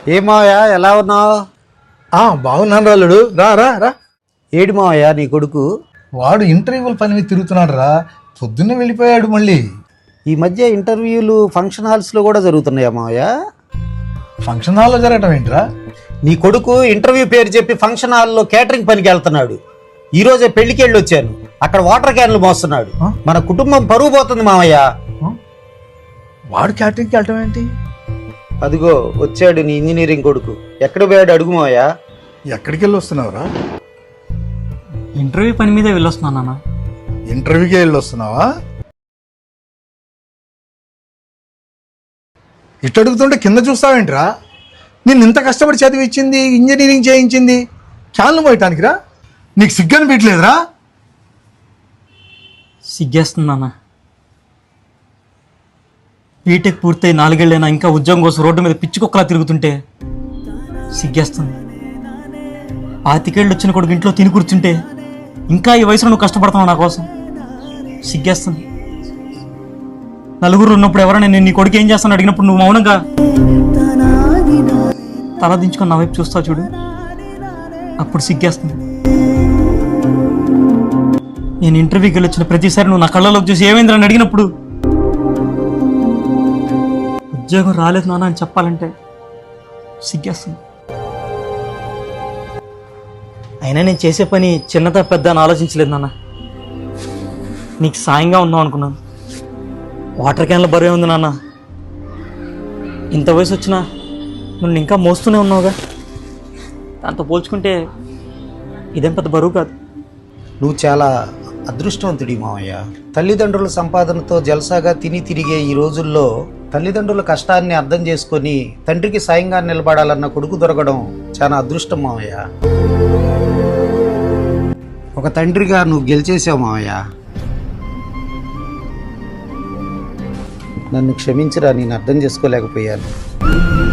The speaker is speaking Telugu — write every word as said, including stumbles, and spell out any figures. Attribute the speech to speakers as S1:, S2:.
S1: ఏమావయ్యా ఎలా ఉన్నావు?
S2: బాగున్నాను రాలుడు. రా రా రా.
S1: ఏడు మావయ్యా నీ కొడుకు?
S2: వాడు ఇంటర్వ్యూల పని మీద తిరుగుతున్నాడు రా. పొద్దున్నే వెళ్ళిపోయాడు మళ్ళీ.
S1: ఈ మధ్య ఇంటర్వ్యూలు ఫంక్షన్ హాల్స్లో కూడా జరుగుతున్నాయా మావయ్య?
S2: ఫంక్షన్ హాల్లో జరగటం ఏంట్రా?
S1: నీ కొడుకు ఇంటర్వ్యూ పేరు చెప్పి ఫంక్షన్ హాల్లో కేటరింగ్ పనికి వెళ్తున్నాడు. ఈ రోజే పెళ్లికి వెళ్ళి వచ్చాను. అక్కడ వాటర్ క్యాన్లు మోస్తున్నాడు. మన కుటుంబం పరువు పోతుంది మావయ్య.
S2: వాడు క్యాటరింగ్కి వెళ్ళటం ఏంటి?
S1: అదిగో వచ్చాడు నీ ఇంజనీరింగ్ కొడుకు. ఎక్కడ పోయాడు అడుగు మావయ్య.
S2: ఎక్కడికి వెళ్ళి వస్తున్నావురా?
S3: ఇంటర్వ్యూ పని మీదే వెళ్ళొస్తున్నాను నాన్న.
S2: ఇంటర్వ్యూకి వెళ్ళి వస్తున్నావా? ఇటు అడుగుతుంటే కింద చూస్తావేంట్రా? నేను ఇంత కష్టపడి చదివించింది, ఇంజనీరింగ్ చేయించింది క్యాన్లు పోయటానికి రా. నీకు సిగ్గని పెట్టలేదురా?
S3: సిగ్గేస్తుంది నాన్న. బీటెక్ పూర్తయి నాలుగేళ్ళైనా ఇంకా ఉద్యోగం కోసం రోడ్డు మీద పిచ్చుకొక్కలా తిరుగుతుంటే సిగ్గేస్తుంది. పాతికేళ్ళు వచ్చిన కొడుకు ఇంట్లో తిని కూర్చుంటే ఇంకా ఈ వయసులో నువ్వు కష్టపడుతున్నావు నా కోసం. సిగ్గేస్తుంది. నలుగురు ఉన్నప్పుడు ఎవరైనా నేను నీ కొడుకు ఏం చేస్తాను అడిగినప్పుడు నువ్వు మౌనంగా తల దించుకొని నా వైపు చూస్తావు చూడు, అప్పుడు సిగ్గేస్తుంది. నేను ఇంటర్వ్యూకి వెళ్ళి వచ్చిన ప్రతిసారి నువ్వు నా కళ్ళలోకి చూసి ఏమైందని అడిగినప్పుడు ఉద్యోగం రాలేదు నాన్న అని చెప్పాలంటే సిగ్గేస్తుంది. అయినా నేను చేసే పని చిన్నదా పెద్ద అని ఆలోచించలేదు నాన్న. నీకు సాయంగా ఉందాం అనుకున్నాను. వాటర్ క్యాన్ల బరువే ఉంది నాన్న. ఇంత వయసు వచ్చినా నువ్వు ఇంకా మోస్తూనే ఉన్నావుగా. దాంతో పోల్చుకుంటే ఇదేం పెద్ద బరువు కాదు.
S1: నువ్వు చాలా అదృష్టవంతుడి మావయ్య. తల్లిదండ్రుల సంపాదనతో జల్సాగా తిని తిరిగే ఈ రోజుల్లో తల్లిదండ్రుల కష్టాన్ని అర్థం చేసుకొని తండ్రికి సాయంగా నిలబడాలన్న కొడుకు దొరకడం చాలా అదృష్టం మావయ్య. ఒక తండ్రిగా నువ్వు గెలిచేసావు మావయ్య. నన్ను క్షమించరా, నేను అర్థం చేసుకోలేకపోయాను.